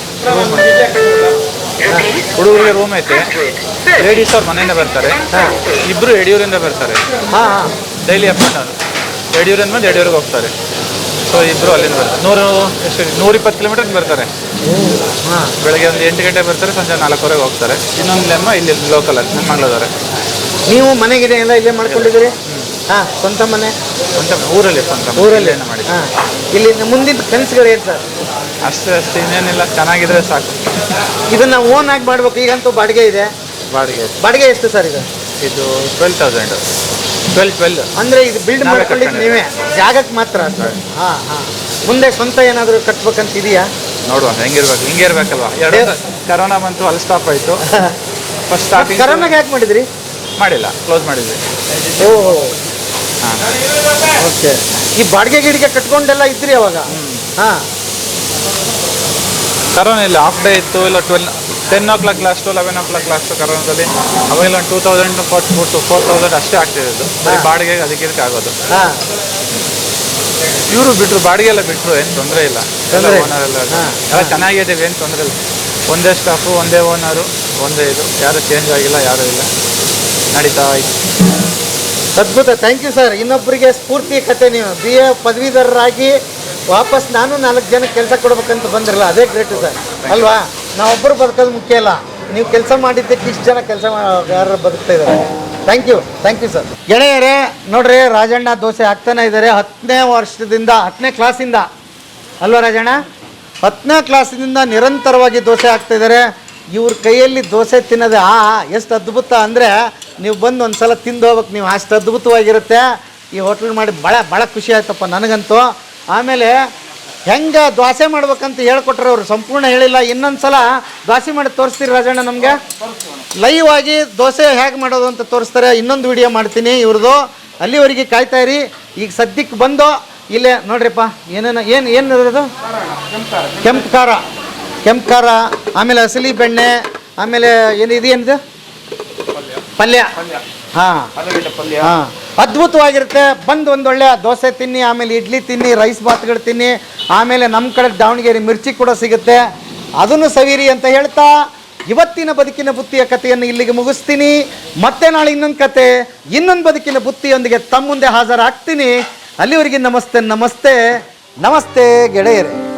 Speaker 4: ಹುಡುಗರಿಗೆ ರೂಮ್ ಐತೆ. ಲೇಡೀಸ್ ಅವ್ರ ಮನೆಯಿಂದ ಬರ್ತಾರೆ. ಇಬ್ಬರು ಯಡಿಯೂರಿಂದ ಬರ್ತಾರೆ.
Speaker 2: ಹಾಂ ಹಾಂ,
Speaker 4: ಡೈಲಿ ಅಪ್ ಆ್ಯಂಡ್ ಡೌನ್. ಯಡಿಯೂರಿಂದ ಬಂದು ಯಡಿಯೂರಿಗೆ ಹೋಗ್ತಾರೆ. ಸೊ ಇಬ್ಬರು ಅಲ್ಲಿಂದ ಬರ್ತಾರೆ. ನೂರು ಎಷ್ಟು ನೂರಿಪ್ಪತ್ತು ಕಿಲೋಮೀಟರ್ಗೆ ಬರ್ತಾರೆ.
Speaker 2: ಹಾಂ,
Speaker 4: ಬೆಳಗ್ಗೆ ಒಂದು ಎಂಟು ಗಂಟೆ ಬರ್ತಾರೆ, ಸಂಜೆ ನಾಲ್ಕುವರೆಗೆ ಹೋಗ್ತಾರೆ. ಇನ್ನೊಂದು ಲೆಮ್ಮ ಇಲ್ಲಿ ಲೋಕಲಲ್ಲಿ ನಮ್ಮ ಮಂಗಳೂರೇ.
Speaker 2: ನೀವು ಮನೆಗಿದೆ ಎಲ್ಲ ಇಲ್ಲೇ ಮಾಡ್ಕೊಂಡಿದ್ದೀರಿ? ಹಾಂ, ಸ್ವಂತ ಮನೆ?
Speaker 4: ಸ್ವಂತ ಊರಲ್ಲಿ ಸ್ವಂತ
Speaker 2: ಊರಲ್ಲಿ
Speaker 4: ಏನು ಮಾಡಿ.
Speaker 2: ಹಾಂ, ಇಲ್ಲಿ ಮುಂದಿನ ಕನಸುಗಳು ಏನು ಸರ್?
Speaker 4: ಅಷ್ಟೇ ಅಷ್ಟೇ, ಇನ್ನೇನಿಲ್ಲ, ಚೆನ್ನಾಗಿದ್ರೆ ಸಾಕು.
Speaker 2: ಇದನ್ನ ಓನ್ ಆಗಿ ಮಾಡ್ಬೇಕು. ಈಗಂತೂ ಬಾಡಿಗೆ ಇದೆ.
Speaker 4: ಬಾಡಿಗೆ
Speaker 2: ಬಾಡಿಗೆ ಎಷ್ಟು ಸರ್ ಇದು?
Speaker 4: ಇದು ಟ್ವೆಲ್ ತೌಸಂಡ್ ಟ್ವೆಲ್ ಟ್ವೆಲ್
Speaker 2: ಅಂದರೆ ಇದು ಬಿಲ್ಡ್
Speaker 4: ನಾವೇ
Speaker 2: ಮಾಡ್ಕೊಂಡಿದ್ದು ನೀವೇ, ಜಾಗಕ್ಕೆ ಮಾತ್ರ ಸರ್? ಹಾಂ ಹಾಂ. ಮುಂದೆ ಸ್ವಂತ ಏನಾದರೂ ಕಟ್ಬೇಕಂತ ಇದೆಯಾ?
Speaker 4: ನೋಡುವ, ಹೆಂಗಿರ್ಬೇಕು, ಹಿಂಗೆ ಇರ್ಬೇಕಲ್ವಾ. ಎರಡು ಕರೋನಾ ಬಂತು, ಅಲ್ಲಿ ಸ್ಟಾಪ್ ಆಯಿತು. ಫಸ್ಟ್ ಸ್ಟಾರ್ಟಿಂಗ್
Speaker 2: ಕರೋನಾಗೆ ಯಾಕೆ ಮಾಡಿದ್ರಿ?
Speaker 4: ಮಾಡಿಲ್ಲ, ಕ್ಲೋಸ್ ಮಾಡಿದ್ವಿ.
Speaker 2: ಓಹೋ,
Speaker 4: ಹಾಂ,
Speaker 2: ಓಕೆ. ಈ ಬಾಡಿಗೆ ಗಿಡಿಗೆ ಕಟ್ಕೊಂಡೆಲ್ಲ ಇದ್ರಿ ಅವಾಗ? ಹಾಂ,
Speaker 4: ಕರೋನಾ ಇಲ್ಲ, ಹಾಫ್ ಡೇ ಇತ್ತು. ಇಲ್ಲ twelve ten o'clock last, eleven o'clock last ಕರೋನಾದಲ್ಲಿ. ಅವಾಗೆಲ್ಲ ಒಂದು two thousand four two four thousand ಅಷ್ಟೇ ಆಗ್ತಿರೋದು. ಬರೀ ಬಾಡಿಗೆಗೆ ಅದಕ್ಕೆ ಇದಕ್ಕೆ ಆಗೋದು.
Speaker 2: ಹಾಂ,
Speaker 4: ಇವರು ಬಿಟ್ಟರು, ಬಾಡಿಗೆ ಎಲ್ಲ ಬಿಟ್ಟರು, ಏನು ತೊಂದರೆ ಇಲ್ಲ. ಎಲ್ಲ
Speaker 2: ತೊಂದ್ರೆ
Speaker 4: ಓನರ್ ಎಲ್ಲ
Speaker 2: ಹಾ.
Speaker 4: ಎಲ್ಲ ಚೆನ್ನಾಗಿದ್ದೀವಿ, ಏನು ತೊಂದರೆ ಇಲ್ಲ. ಒಂದೇ ಸ್ಟಾಫು, ಒಂದೇ ಓನರು, ಒಂದೇ ಇದು, ಯಾರು ಚೇಂಜ್ ಆಗಿಲ್ಲ, ಯಾರೂ ಇಲ್ಲ, ನಡೀತಾ ಇತ್ತು.
Speaker 2: ಅದ್ಭುತ. Thank you sir. ಇನ್ನೊಬ್ಬರಿಗೆ ಸ್ಫೂರ್ತಿ ಕತೆ. ನೀವು ಬಿ ಎ ಪದವೀಧರರಾಗಿ ವಾಪಸ್ ನಾನು ನಾಲ್ಕು ಜನ ಕೆಲಸ ಕೊಡ್ಬೇಕಂತ ಬಂದಿರಲ್ಲ, ಅದೇ ಗ್ರೇಟ್ ಸರ್ ಅಲ್ವಾ? ನಾವೊಬ್ಬರು ಬದುಕೋದು ಮುಖ್ಯ ಇಲ್ಲ, ನೀವು ಕೆಲಸ ಮಾಡಿದ್ದಕ್ಕೆ ಇಷ್ಟು ಜನ ಕೆಲಸ ಯಾರು ಬದುಕ್ತಾ ಇದ್ದಾರೆ. Thank you, thank you sir. ಗೆಳೆಯರೇ ನೋಡ್ರಿ, ರಾಜಣ್ಣ ದೋಸೆ ಹಾಕ್ತಾನೆ ಇದ್ದಾರೆ ಹತ್ತನೇ ವರ್ಷದಿಂದ, ಹತ್ತನೇ ಕ್ಲಾಸಿಂದ ಅಲ್ವಾ ರಾಜಣ್ಣ? ಹತ್ತನೇ ಕ್ಲಾಸಿನಿಂದ ನಿರಂತರವಾಗಿ ದೋಸೆ ಹಾಕ್ತಾ ಇದ್ದಾರೆ. ಇವ್ರ ಕೈಯಲ್ಲಿ ದೋಸೆ ತಿನ್ನೋದೇ ಆ ಎಷ್ಟು ಅದ್ಭುತ ಅಂದರೆ, ನೀವು ಬಂದು ಒಂದು ಸಲ ತಿಂದು ಹೋಗ್ಬೇಕು ನೀವು, ಅಷ್ಟು ಅದ್ಭುತವಾಗಿರುತ್ತೆ ಈ ಹೋಟ್ಲ್ ಮಾಡಿ. ಭಾಳ ಭಾಳ ಖುಷಿ ಆಯ್ತಪ್ಪ ನನಗಂತೂ. ಆಮೇಲೆ ಹೆಂಗೆ ದೋಸೆ ಮಾಡ್ಬೇಕಂತ ಹೇಳ್ಕೊಟ್ರೆ ಅವರು, ಸಂಪೂರ್ಣ ಹೇಳಿಲ್ಲ. ಇನ್ನೊಂದು ಸಲ ದೋಸೆ ಮಾಡಿ ತೋರಿಸ್ತೀರಿ ರಾಜಣ್ಣ ನಮಗೆ? ಲೈವ್ ಆಗಿ ದೋಸೆ ಹೇಗೆ ಮಾಡೋದು ಅಂತ ತೋರಿಸ್ತಾರೆ. ಇನ್ನೊಂದು ವಿಡಿಯೋ ಮಾಡ್ತೀನಿ ಇವ್ರದ್ದು, ಅಲ್ಲಿವರೆಗೆ ಕಾಯ್ತಾ ಇರಿ. ಈಗ ಸದ್ಯಕ್ಕೆ ಬಂದು ಇಲ್ಲೇ ನೋಡ್ರಿಪ್ಪ, ಏನೇನು ಏನು ಏನು ಇರೋದು? ಕೆಂಪು ಖಾರ, ಕೆಂಪು ಖಾರ, ಆಮೇಲೆ ಹಸಲಿ ಬೆಣ್ಣೆ, ಆಮೇಲೆ ಏನು ಇದು ಏನಿದೆ ಪಲ್ಯ. ಹಾಂ ಹಾಂ, ಅದ್ಭುತವಾಗಿರುತ್ತೆ. ಬಂದು ಒಂದೊಳ್ಳೆ ದೋಸೆ ತಿನ್ನಿ, ಆಮೇಲೆ ಇಡ್ಲಿ ತಿನ್ನಿ, ರೈಸ್ ಬಾತ್ಗಳು ತಿನ್ನಿ, ಆಮೇಲೆ ನಮ್ಮ ಕಡೆ ದಾವಣಗೆರೆ ಮಿರ್ಚಿ ಕೂಡ ಸಿಗುತ್ತೆ, ಅದನ್ನು ಸವಿರಿ ಅಂತ ಹೇಳ್ತಾ ಇವತ್ತಿನ ಬದುಕಿನ ಬುತ್ತಿಯ ಕಥೆಯನ್ನು ಇಲ್ಲಿಗೆ ಮುಗಿಸ್ತೀನಿ. ಮತ್ತೆ ನಾಳೆ ಇನ್ನೊಂದು ಕತೆ, ಇನ್ನೊಂದು ಬದುಕಿನ ಬುತ್ತಿಯೊಂದಿಗೆ ತಮ್ಮ ಮುಂದೆ ಹಾಜರಾಗ್ತೀನಿ. ಅಲ್ಲಿವರೆಗೆ ನಮಸ್ತೆ ನಮಸ್ತೆ ನಮಸ್ತೆ ಗೆಳೆಯರೇ.